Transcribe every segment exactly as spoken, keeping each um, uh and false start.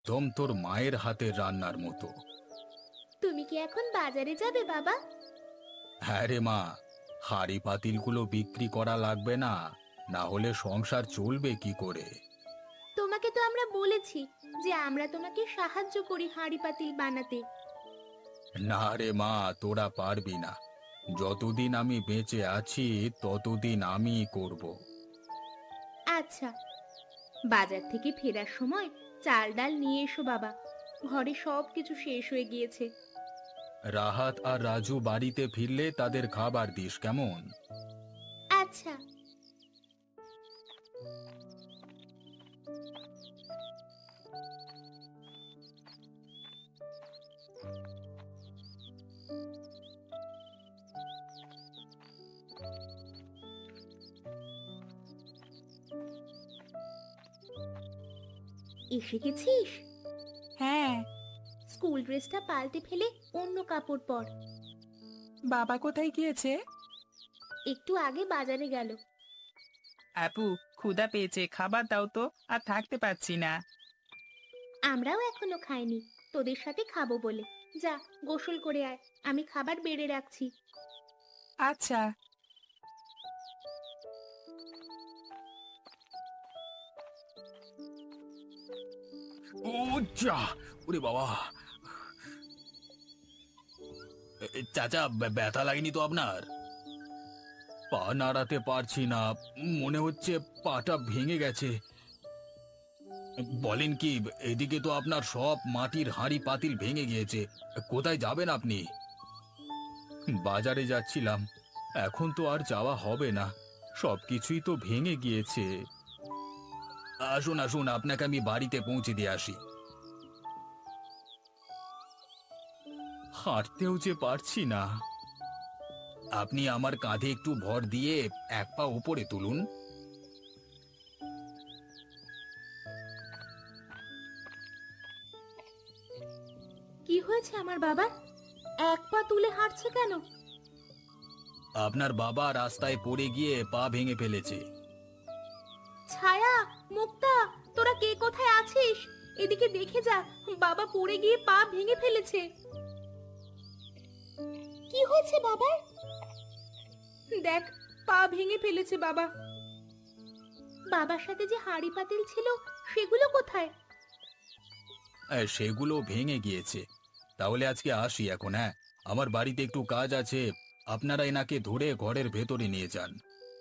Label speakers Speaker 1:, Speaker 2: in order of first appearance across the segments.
Speaker 1: একদম তোর মায়ের হাতের রান্নার মতো।
Speaker 2: তুমি কি এখন বাজারে যাবে বাবা?
Speaker 1: হ্যাঁ রে মা, হাঁড়ি পাতিলগুলো বিক্রি করা লাগবে না, না হলে সংসার চলবে কি করে?
Speaker 2: তোমাকে তো আমরা বলেছি যে আমরা তোমাকে সাহায্য করি হাঁড়ি পাতিল বানাতে।
Speaker 1: না রে মা, তোরা পারবি না। যতদিন আমি বেঁচে আছি ততদিন আমিই করব।
Speaker 2: আচ্ছা, বাজার থেকে ফেরার সময় চাল ডাল নিয়ে এসো বাবা। ঘরে সব কিছু শেষ হয়ে গিয়েছে।
Speaker 1: রাহাত আর রাজু বাড়িতে ফিরলে তাদের খাবার দিস কেমন?
Speaker 2: আচ্ছা। এসে গেছিস?
Speaker 3: হ্যাঁ।
Speaker 2: স্কুল ড্রেসটা পাল্টে ফেলে অন্য কাপড় পর।
Speaker 3: বাবা কোথায় গিয়েছে?
Speaker 2: একটু আগে বাজারে গেল।
Speaker 3: আপু, ক্ষুধা পেয়েছে, খাবার দাও তো, আর থাকতে পারছি না।
Speaker 2: আমরাও এখনো খাইনি, তোদের সাথে খাবো বলে। যা, গোসল করে আয়, আমি খাবার বেড়ে রাখছি।
Speaker 3: আচ্ছা।
Speaker 1: ও যা, ওরে বাবা! এ, এ, চাচা, ব্য- ব্যথা লাগেনি তো আপনার? পা নাড়াতে পারছি না, মনে হচ্ছে পাটা ভেঙে গেছে। বলেন কি, এদিকে তো আপনার সব মাটির হাঁড়ি পাতিল ভেঙে গিয়েছে। কোথায় যাবেন আপনি? বাজারে যাচ্ছিলাম, এখন তো আর যাওয়া হবে না, সবকিছুই তো ভেঙে গিয়েছে। আসুন আসুন, আপনাকে আমি বাড়িতে পৌঁছে দিয়ে আসি। হাঁটতেও যে পারছি না। আপনি আমার কাঁধে একটু ভর দিয়ে এক পা উপরে তুলুন।
Speaker 2: কি হয়েছে আমার বাবা? এক পা তুলে হাঁটছে কেন?
Speaker 1: আপনার বাবা রাস্তায় পড়ে গিয়ে পা ভেঙে ফেলেছে।
Speaker 2: ছায়া, মুক্তা, তোরা কে কোথায় আছিস? এদিকে দেখে যা, বাবা পড়ে গিয়ে পা ভেঙে ফেলেছে। কি হয়েছে বাবার? দেখ, পা ভেঙে ফেলেছে বাবা। বাবার সাথে যে হাঁড়ি পাতিল ছিল সেগুলো কোথায়?
Speaker 1: এ, সেগুলো ভেঙে গিয়েছে। তাহলে আজকে আসি এখন, হ্যাঁ, আমার বাড়িতে একটু কাজ আছে। আপনারা এনাকে ধরে ঘরের ভেতরে নিয়ে যান।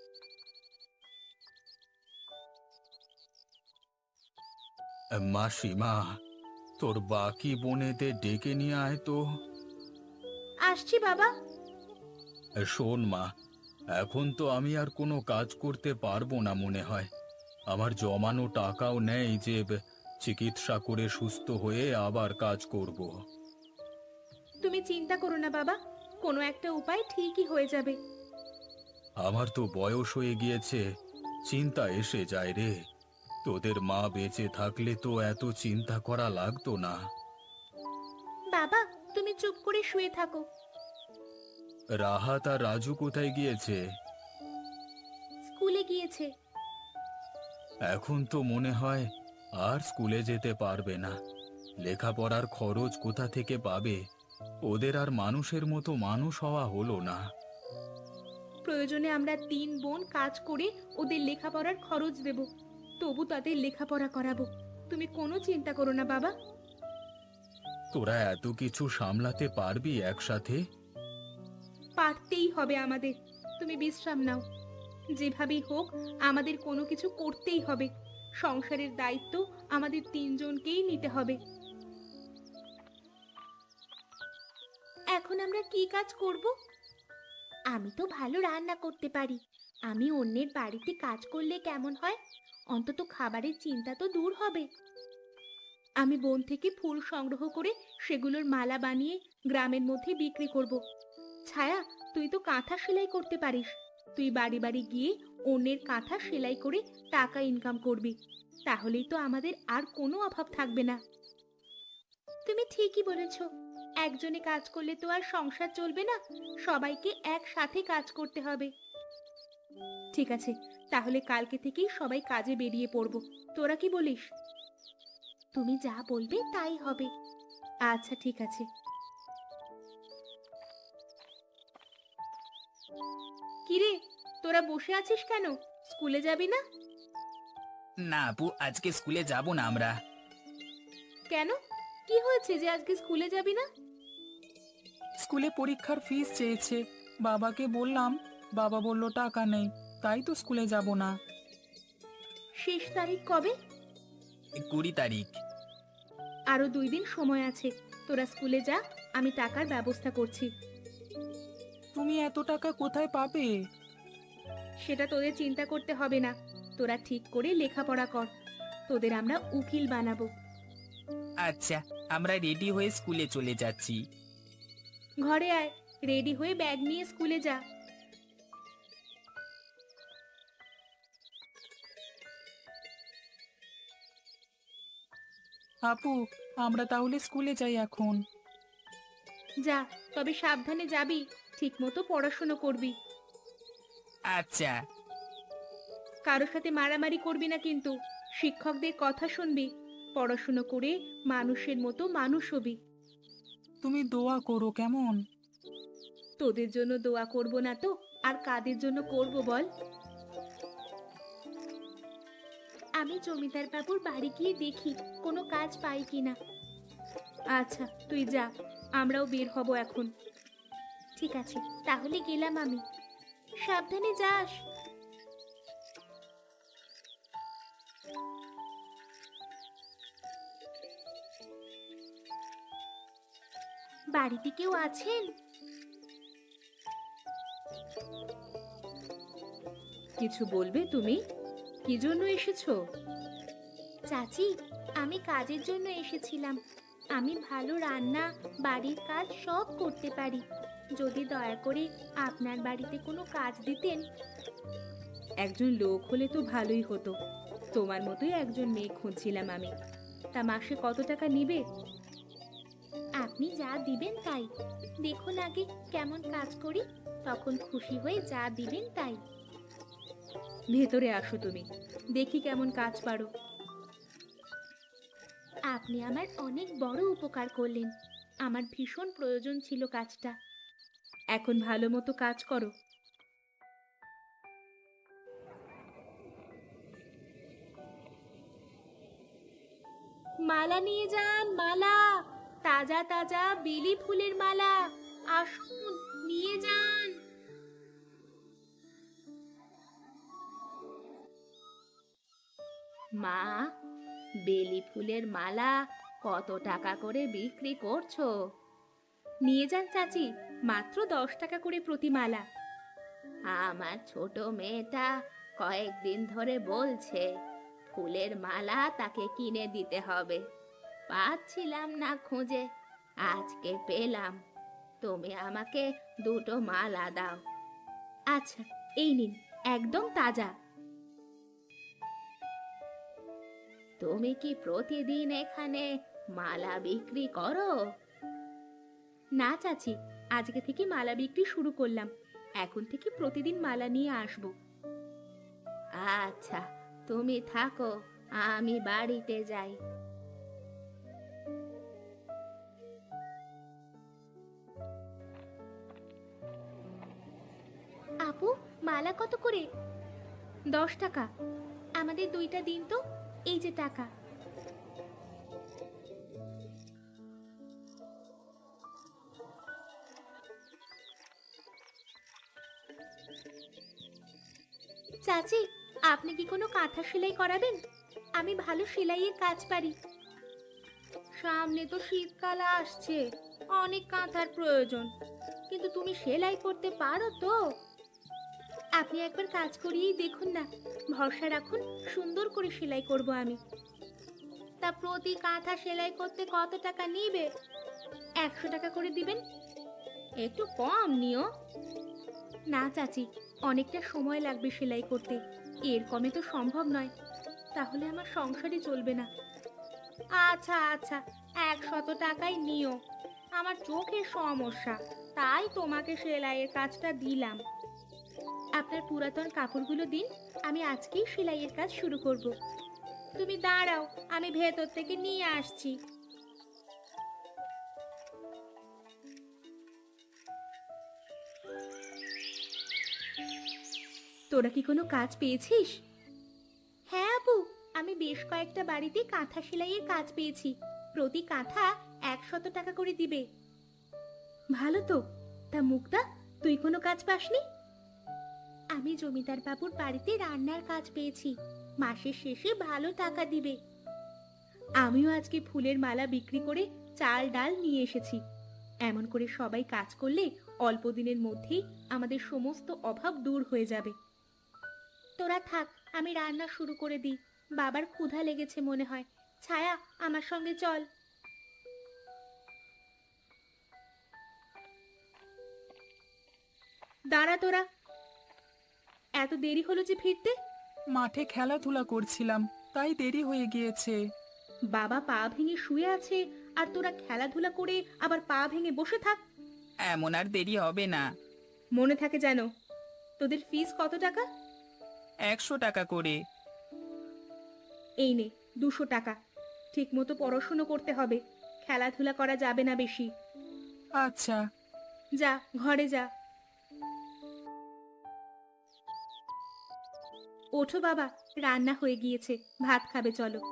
Speaker 1: এ, মাসিমা, তোর বাকি বোনেদের ডেকে নিয়ে আয় তো।
Speaker 2: আসছি বাবা।
Speaker 1: এ, শোন মা, এখন তো আমি আর কোনো কাজ করতে পারবো না মনে হয়। আমার জমানো টাকাও নেই যে ব- চিকিৎসা করে সুস্থ হয়ে আবার কাজ করব।
Speaker 2: তুমি চিন্তা করো না বাবা, কোনো একটা উপায় ঠিকই হয়ে যাবে।
Speaker 1: আমার তো বয়স হয়ে গিয়েছে, চিন্তা এসে যায় রে। তোদের মা বেঁচে থাকলে তো এত চিন্তা করা লাগতো না।
Speaker 2: বাবা, তুমি চুপ করে শুয়ে থাকো।
Speaker 1: রাহাত আর রাজু কোথায় গিয়েছে?
Speaker 2: স্কুলে গিয়েছে।
Speaker 1: এখন তো মনে হয় আর স্কুলে যেতে পারবে না। লেখাপড়ার খরচ কোথা থেকে পাবে? ওদের আর মানুষের মতো মানুষ হওয়া হলো না।
Speaker 2: প্রয়োজনে আমরা তিন বোন কাজ করে ওদের লেখাপড়ার খরচ দেব, তবু তাদের লেখাপড়া করাবো। তুমি কোনো চিন্তা করো না বাবা।
Speaker 1: তোরা এত কিছু সামলাতে পারবি একসাথে?
Speaker 2: পারতেই হবে আমাদের। তুমি বিশ্রাম নাও। যেভাবেই হোক আমাদের কোনো কিছু করতেই হবে। সংসারের দায়িত্ব আমাদের তিনজনকেই নিতে হবে। এখন আমরা কি কাজ করব? আমি তো ভালো রান্না করতে পারি। আমি অন্যের বাড়িতে কাজ করলে কেমন হয়? অন্তত খাবারের চিন্তা তো দূর হবে। আমি বন থেকে ফুল সংগ্রহ করে সেগুলোর মালা বানিয়ে গ্রামের মধ্যে বিক্রি করব। ছায়া, তুই তো কাঁথা সেলাই করতে পারিস। তুই বাড়ি বাড়ি গিয়ে অন্যের কাঁথা সেলাই করে টাকা ইনকাম করবি। তাহলেই তো আমাদের আর কোনো অভাব থাকবে না। তুমি ঠিকই বলেছ, একজনে কাজ করলে তো আর সংসার চলবে না, সবাইকে একসাথে কাজ করতে হবে। ঠিক আছে, তাহলে কালকে থেকেই সবাই কাজে বেরিয়ে পড়ব। তোরা কি বলিস? তুমি যা বলবে তাই হবে। আচ্ছা ঠিক আছে। কিরে, তোরা বসে আছিস কেন? স্কুলে যাবি না?
Speaker 3: না আপু, আজকে স্কুলে যাব না আমরা।
Speaker 2: কেন? কি হয়েছে যে আজকে স্কুলে যাবি না?
Speaker 3: স্কুলে পরীক্ষার ফিস চেয়েছে, বাবাকে বললাম, বাবা বলল টাকা নেই, তাই তো স্কুলে যাব না।
Speaker 2: শেষ তারিখ কবে?
Speaker 3: কুড়ি তারিখ।
Speaker 2: আরো দুই দিন সময় আছে, তোরা স্কুলে যা, আমি টাকার ব্যবস্থা করছি।
Speaker 3: তুমি এত টাকা কোথায় পাবে?
Speaker 2: সেটা তোদের চিন্তা করতে হবে না, তোরা ঠিক করে লেখাপড়া কর, তোদের আমরা উকিল বানাবো।
Speaker 3: আচ্ছা, আমরা রেডি হয়ে স্কুলে চলে যাচ্ছি।
Speaker 2: ঘরে আয়, রেডি হয়ে ব্যাগ নিয়ে স্কুলে যা।
Speaker 3: আপু, আমরা তাহলে স্কুলে যাই এখন।
Speaker 2: যা, তবে সাবধানে যাবি, ঠিক মতো পড়াশুনো করবি।
Speaker 3: আচ্ছা।
Speaker 2: কারোর সাথে মারামারি করবি না কিন্তু, শিক্ষকদের কথা শুনবি, পড়াশুনো করে মানুষের মতো মানুষ হবি।
Speaker 3: তুমি দোয়া করো কেমন?
Speaker 2: তোদের জন্য দোয়া করব না তো আর কাদের জন্য করব বল? আমি জমিদার বাবুর বাড়ি গিয়ে দেখি কোনো কাজ পাই কিনা। আচ্ছা তুই যা, আমরাও বের হব এখন। ঠিক আছে, তাহলে গেলাম আমি। সাবধানে যাস। বাড়িতে কেউ আছেন? কিছু বলবে তুমি? কি জন্য এসেছো? চাচি, আমি কাজের জন্য এসেছিলাম। আমি ভালো রান্না, বাড়ির কাজ সব করতে পারি। যদি দয়া করে আপনার বাড়িতে কোনো কাজ দিতেন। একজন লোক হলে তো ভালোই হতো, তোমার মতোই একজন মেয়ে খুঁজছিলাম আমি। তা মাসে কত টাকা নিবে? আপনি যা দিবেন তাই। দেখুন আগে কেমন কাজ করি, তখন খুশি হয়ে যা দিবেন তাই। ভেতরে আসো তুমি, দেখি কেমন কাজ পারো। আপনি আমার অনেক বড় উপকার করলেন, আমার ভীষণ প্রয়োজন ছিল কাজটা। এখন ভালো মতো কাজ করো। মালা নিয়ে যান, মালা, তাজা তাজা বেলি ফুলের মালা। আসুন, নিয়ে যান। মা, বেলি ফুলের মালা কত টাকা করে বিক্রি করছো? নিয়ে যান চাচি, মাত্র দশ টাকা করে প্রতি মালা। আমার ছোট মেয়েটা কয়েকদিন ধরে বলছে ফুলের মালা তাকে কিনে দিতে হবে, পাচ্ছিলাম না খুঁজে, আজকে পেলাম। তুমি আমাকে দুটো মালা দাও। আচ্ছা, এই নিন, একদম তাজা। তুমি কি প্রতিদিন এখানে মালা বিক্রি করো? না চাচি, আজকে থেকে মালা বিক্রি শুরু করলাম, এখন থেকে প্রতিদিন মালা নিয়ে আসব। আচ্ছা, তুমি থাকো, আমি বাড়িতে যাই। আপু, মালা কত করে? দশ টাকা। আমাদের দুইটা দিন তো, এই যে টাকা। চাচি, আপনি কি কোনো কাঁথা সেলাই করাবেন? আমি ভালো সেলাইয়ের কাজ পারি। সামনে তো শীতকাল আসছে, অনেক কাঁথার প্রয়োজন, কিন্তু তুমি সেলাই করতে পারো তো? আপনি একবার কাজ করিয়েই দেখুন না, ভরসা রাখুন, সুন্দর করে সেলাই করব আমি। তা প্রতি কাঁথা সেলাই করতে কত টাকা নিবে? একশো টাকা করে দিবেন। একটু কম নিও। না চাচি, অনেকটা সময় লাগবে সেলাই করতে, এর কমে তো সম্ভব নয়, তাহলে আমার সংসারই চলবে না। আচ্ছা আচ্ছা, একশত টাকাই নিও। আমার চোখের সমস্যা, তাই তোমাকে সেলাইয়ের কাজটা দিলাম। আপনার পুরাতন কাপড়গুলো দিন, আমি আজকেই সেলাইয়ের কাজ শুরু করব। তুমি দাঁড়াও, আমি ভেতর থেকে নিয়ে আসছি। তোরা কি কোনো কাজ পেয়েছিস? হ্যাঁ আপু, আমি বেশ কয়েকটা বাড়িতে কাঁথা সেলাইয়ের কাজ পেয়েছি। প্রতি কাঁথা একশত টাকা করে দিবে। ভালো তো। তা মুক্তা, তুই কোনো কাজ পাসনি? আমি জমিদার বাবুর বাড়িতে রান্নার কাজ পেয়েছি। মাসের শেষে ভালো টাকা দিবে। আমিও আজকে ফুলের মালা বিক্রি করে চাল ডাল নিয়ে এসেছি। এমন করে সবাই কাজ করলে অল্প দিনের মধ্যেই আমাদের সমস্ত অভাব দূর হয়ে যাবে। তোরা থাক, আমি রান্না শুরু করে দিই। বাবার ক্ষুধা লেগেছে মনে হয়। ছায়া, আমার সঙ্গে চল। দাঁড়া তোরা, এত দেরি হলো যে ফিরতে?
Speaker 3: মাঠে খেলাধুলা করছিলাম, তাই দেরি হয়ে গিয়েছে।
Speaker 2: বাবা পা ভেঙে শুয়ে আছে আর তোরা খেলাধুলা করে আবার পা ভেঙে বসে থাক।
Speaker 3: এমন আর দেরি হবে না।
Speaker 2: মনে থাকে যেন। তোদের ফিস কত টাকা?
Speaker 3: একশো টাকা করে।
Speaker 2: এই নে দুশো টাকা। ঠিক মতো পড়াশুনো করতে হবে, খেলাধুলা করা যাবে না বেশি।
Speaker 3: আচ্ছা।
Speaker 2: যা ঘরে যা। ওঠো বাবা, রান্না হয়ে গিয়েছে, ভাত খাবে চলো।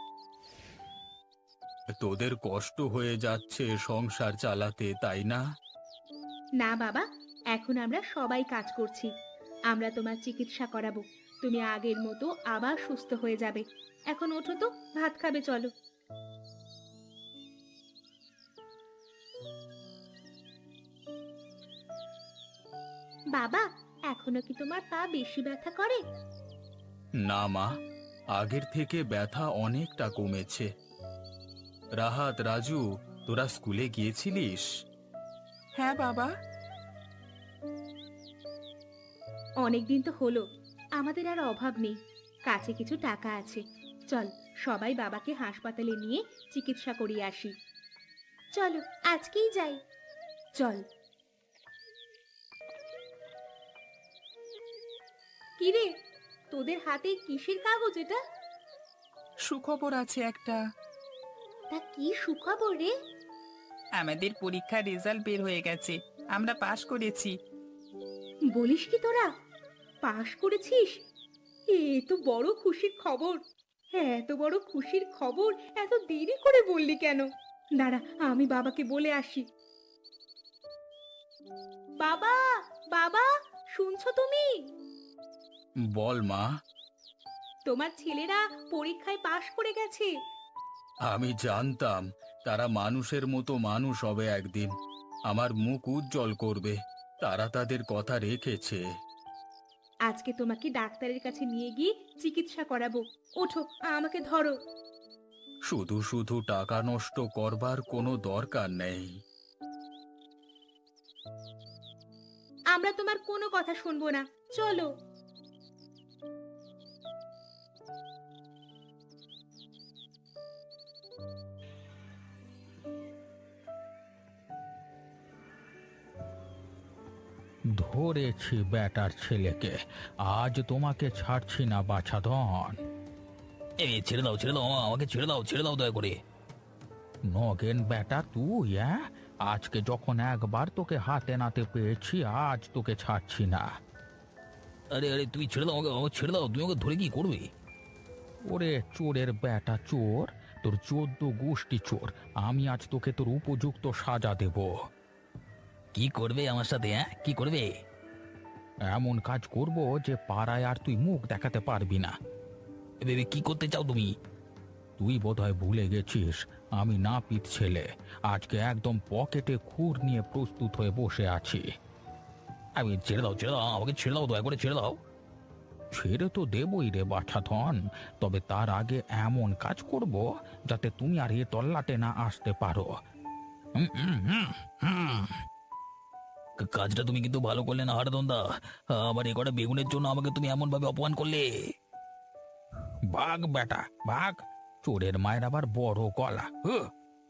Speaker 1: তোদের কষ্ট হয়ে যাচ্ছে সংসার চালাতে, তাই না?
Speaker 2: না বাবা, এখন আমরা সবাই কাজ করছি। আমরা তোমার চিকিৎসা করাবো। তুমি আগের মতো আবার সুস্থ হয়ে যাবে। এখন ওঠো তো, ভাত খাবে চলো। বাবা, এখনো কি তোমার পা বেশি ব্যথা করে?
Speaker 1: না মা, আগের থেকে ব্যথা অনেকটা কমেছে। রাহাত, রাজু, তোরা স্কুলে গিয়েছিলিস?
Speaker 3: হ্যাঁ বাবা।
Speaker 2: অনেকদিন তো হলো, আমাদের আর অভাব নেই। কাছে কিছু টাকা আছে। চল সবাই বাবাকে হাসপাতালে নিয়ে চিকিৎসা করিয়ে আসি। চলো আজকেই যাই। চল। কিরে, তোদের হাতে কিসের কাগজ এটা?
Speaker 3: সুখবর আছে একটা।
Speaker 2: তা কি সুখবর রে?
Speaker 3: আমাদের পরীক্ষার রেজাল্ট বের হয়ে গেছে, আমরা পাশ করেছি।
Speaker 2: বলিস কি তোরা পাশ করেছিস? এ তো বড় খুশির খবর। হ্যাঁ, এত বড় খুশির খবর এত দেরি করে বললি কেন? দাঁড়া, আমি বাবাকে বলে আসি। বাবা, বাবা, শুনছো তুমি?
Speaker 1: বল মা।
Speaker 2: তোমার ছেলেরা পরীক্ষায় পাশ করে গেছে।
Speaker 1: আমি জানতাম তারা মানুষের মতো মানুষ হবে একদিন, আমার মুখ উজ্জ্বল করবে। তারা তাদের কথা রেখেছে।
Speaker 2: আজকে তোমাকে ডাক্তারের কাছে নিয়ে গিয়ে চিকিৎসা করাবো। ওঠো, আমাকে ধরো।
Speaker 1: শুধু শুধু টাকা নষ্ট করবার কোনো দরকার নেই।
Speaker 2: আমরা তোমার কোনো কথা শুনবো না, চলো।
Speaker 4: ধরেছি বেটার ছেলেকে, আজ তোমাকে ছাড়ছি না বাছাধন।
Speaker 5: এই ছেড়ে দাও ছেড়ে দাও আমাকে ছেড়ে দাও ছেড়ে দাও দয়া করে।
Speaker 4: নগেন বেটা তুই, হ্যাঁ? আজকে যখন একবার তোকে হাতে নাতে পেয়েছি, আজ তোকে ছাড়ছি না।
Speaker 5: আরে আরে তুমি ছেড়ে দাও আমাকে, আমাকে ছেড়ে দাও। তুমি ওকে ধরে কি করবে?
Speaker 4: ওরে চোরের বেটা চোর, তোর চোদ্দ গোষ্ঠী চোর। আমি আজ তোকে তোর উপযুক্ত সাজা দেব।
Speaker 5: কি করবে আমার সাথে? হ্যাঁ কি করবে?
Speaker 4: এমন কাজ করব যে পাড়ায় আর তুই মুখ দেখাতে পারবি না।
Speaker 5: এ বেবি কি করতে চাও তুমি?
Speaker 4: তুই বোধহয় ভুলে গেছিস আমি নাপিত ছেলে। আজকে একদম পকেটে খুর নিয়ে প্রস্তুত হয়ে বসে আছি।
Speaker 5: আমি ছেড়ে দাও ছেড়ে দাও আমাকে ছেড়ে দাও দয়া করে ছেড়ে দাও।
Speaker 4: ছেড়ে তো দেবই রে বাছাধন, তবে তার আগে এমন কাজ করব যাতে তুমি আর এ তল্লাটে না আসতে পারো।
Speaker 5: হুম, হুম, হুম, হুম। কা- কাজটা তুমি কিন্তু ভালো করলে না হারাদন্দা। আমার এ কটা বেগুনের জন্য আমাকে তুমি এমন ভাবে অপমান করলে।
Speaker 4: ভাগ বেটা ভাগ, চোরের মায়ের আবার বড় গলা। হুঁ।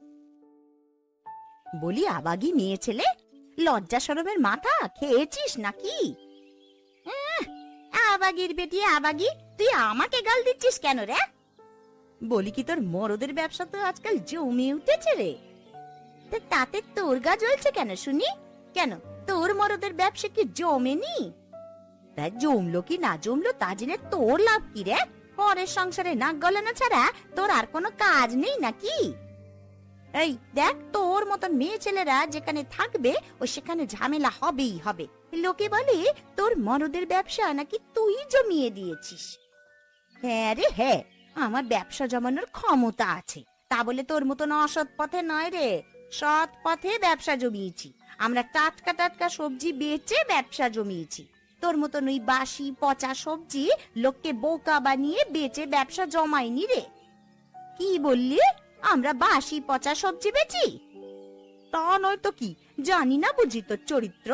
Speaker 6: বলি আবাগি মেয়ে ছেলে, লজ্জা শরমের মাথা খেয়েছিস নাকি? আহ, আবাগির বেটি আবাগি, তুই আমাকে গাল দিচ্ছিস কেন রে? বলি কি তোর মরদের ব্যবসা তো আজকাল জমে উঠেছে রে। তা তাতে তোর গা জ্বলছে কেন শুনি? কেন তোর মরদের ব্যবসা কি জমেনি? তা জমলো কি না জমলো তা জেনে তোর লাভ কি রে? পরের সংসারে নাক গলানো ছাড়া তোর আর কোনো কাজ নেই নাকি? এই দেখ, তোর মতন মেয়ে ছেলেরা যেখানে থাকবে ও সেখানে ঝামেলা হবেই হবে। লোকে বলে তোর মরদের ব্যবসা নাকি তুই জমিয়ে দিয়েছিস। হ্যাঁ রে হ্যাঁ, আমার ব্যবসা জমানোর ক্ষমতা আছে, তা বলে তোর মতন অসৎ পথে নয় রে। সৎ পথে ব্যবসা জমিয়েছি আমরা, টাটকা টাটকা সবজি বেচে ব্যবসা জমিয়েছি। তোর মতন ওই বাসি পচা সবজি লোককে বোকা বানিয়ে বেচে ব্যবসা জমাইনি রে। কি বললি? আমরা বাসি পচা সবজি বেচি? তা নয় তো কি, জানি না বুঝি তোর চরিত্র।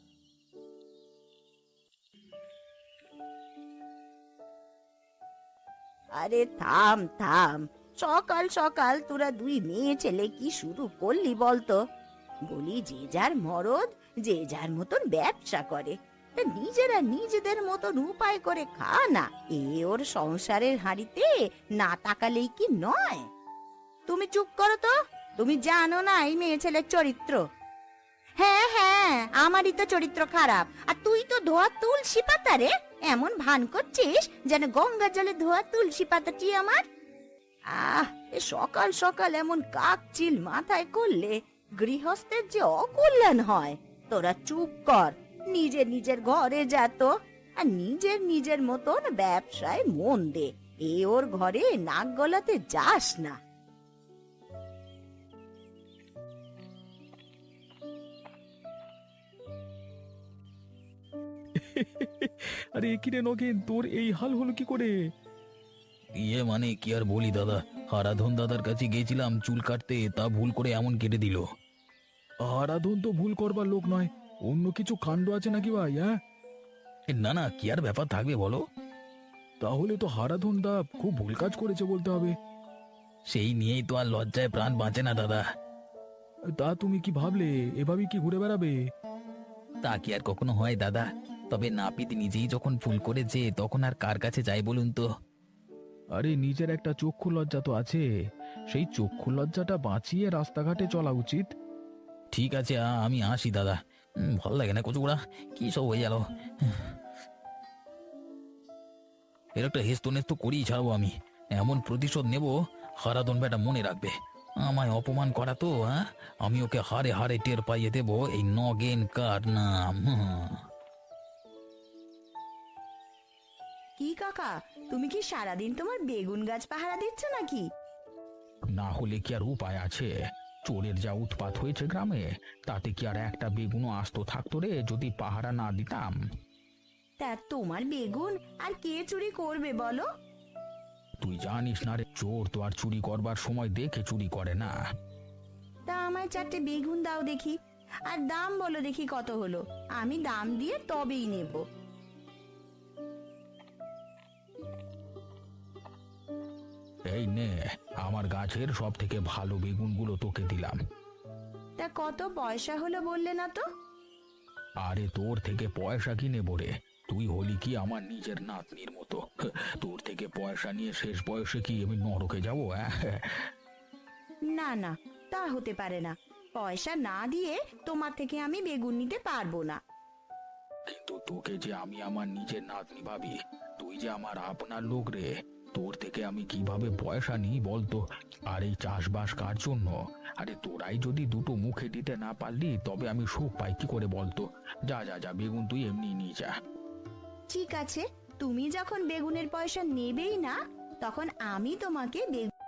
Speaker 6: আরে থাম থাম, সকাল সকাল তোরা দুই মেয়ে ছেলে কি শুরু করলি বলতো? বলি যে যার মরদ যে যার মতন ব্যবসা করে, তা নিজেরা নিজেদের মতন উপায় করে খা না। এ ওর সংসারের হাঁড়িতে না তাকালেই কি নয়? তুমি চুপ করো তো, তুমি জানো না এই মেয়ে ছেলের চরিত্র। হ্যাঁ হ্যাঁ, আমারই তো চরিত্র খারাপ, আর তুই তো ধোয়া তুলসী পাতা রে। এমন ভান করছিস যেন গঙ্গা জলে ধোয়া তুলসী পাতাটি আমার। আহ, এ সকাল সকাল এমন কাকচিল মাথায় করলে গৃহস্থের যে অকল্যাণ হয়। তোরা চুপ কর, নিজের নিজের ঘরে যা তো, আর নিজের নিজের মতন ব্যবসায় মন দে। এ ওর ঘরে নাক গলাতে যাস না।
Speaker 4: আরে কি রে নগেন, তোর এই হাল হলো কি করে?
Speaker 5: ইয়ে মানে কি আর বলি দাদা, হারাধন দাদার কাছে গিয়েছিলাম চুল কাটতে, তা ভুল করে এমন কেটে দিল।
Speaker 4: আরাধন তো ভুল করবার লোক নয়, অন্য কিছু কাণ্ড আছে নাকি ভাই? হ্যাঁ,
Speaker 5: এ, না না, কি আর ব্যাপার থাকবে বলো?
Speaker 4: তাহলে তো হারাধন দা খুব ভুল কাজ করেছে বলতে হবে।
Speaker 5: সেই নিয়েই তো আর লজ্জায় প্রাণ বাঁচে না দাদা।
Speaker 4: তা তুমি কি ভাবলে এভাবেই কি ঘুরে বেড়াবে?
Speaker 5: তা কি আর কখনো হয় দাদা? তবে নাপিত নিজেই যখন ভুল করেছে তখন আর কার কাছে যাই বলুন তো?
Speaker 4: আরে নিজের একটা চক্ষু লজ্জা তো আছে, সেই চক্ষু লজ্জাটা বাঁচিয়ে রাস্তাঘাটে চলা উচিত।
Speaker 5: ঠিক আছে, আ- আমি আসি দাদা। উম, ভাল লাগে না কচুগুড়া, কি সব হয়ে গেল। এর একটা হেস্ত নেস্ত করেই ছাড়বো আমি। এমন প্রতিশোধ নেব, হারাধন বেটা মনে রাখবে। আমায় অপমান করা তো, হ্যাঁ, আমি ওকে হারে হারে টের পাইয়ে দেবো এই নগেন কার নাম। হুম।
Speaker 6: কি কাকা, তুমি কি সারাদিন তোমার বেগুন গাছ পাহারা দিচ্ছ নাকি?
Speaker 4: না হলে কি আর উপায় আছে? চোরের যা উৎপাত হয়েছে গ্রামে, তাতে কি আর একটা বেগুনও আস্ত থাকতো রে যদি পাহারা না দিতাম?
Speaker 6: তা তোমার বেগুন আর কে চুরি করবে বলো?
Speaker 4: তুই জানিস না রে, চোর তো আর চুরি করবার সময় দেখে চুরি করে না।
Speaker 6: তা আমায় চারটে বেগুন দাও দেখি, আর দাম বলো দেখি কত হলো, আমি দাম দিয়ে তবেই নেব।
Speaker 4: এই নে, আমার গাছের সব থেকে ভালো বেগুনগুলো তোকে দিলাম।
Speaker 6: তা কত পয়সা হলো বললে না তো?
Speaker 4: আরে তোর থেকে পয়সা কি নেবো রে? তুই হলি কি আমার নিজের নাতনির মতো? তোর থেকে পয়সা নিয়ে শেষ বয়সে কি আমি নরকে যাবো? হ্যাঁ,
Speaker 6: না না, তা হতে পারে না। পয়সা না দিয়ে তোমার থেকে আমি বেগুন নিতে পারবো না।
Speaker 4: কিন্তু তোকে যে আমি আমার নিজের নাতনি ভাবি, তুই যে আমার আপনার লোক রে, তোর থেকে আমি কিভাবে পয়সা নিই বলতো? আর এই চাষবাস কার জন্য? আরে তোরাই যদি দুটো মুখে দিতে না পারলি তবে আমি সুখ পাই কি করে বলতো? যা যা যা, বেগুন তুই এমনি নিয়ে যা।
Speaker 6: ঠিক আছে, তুমি যখন বেগুনের পয়সা নেবেই না, তখন আমি তোমাকে বেগুন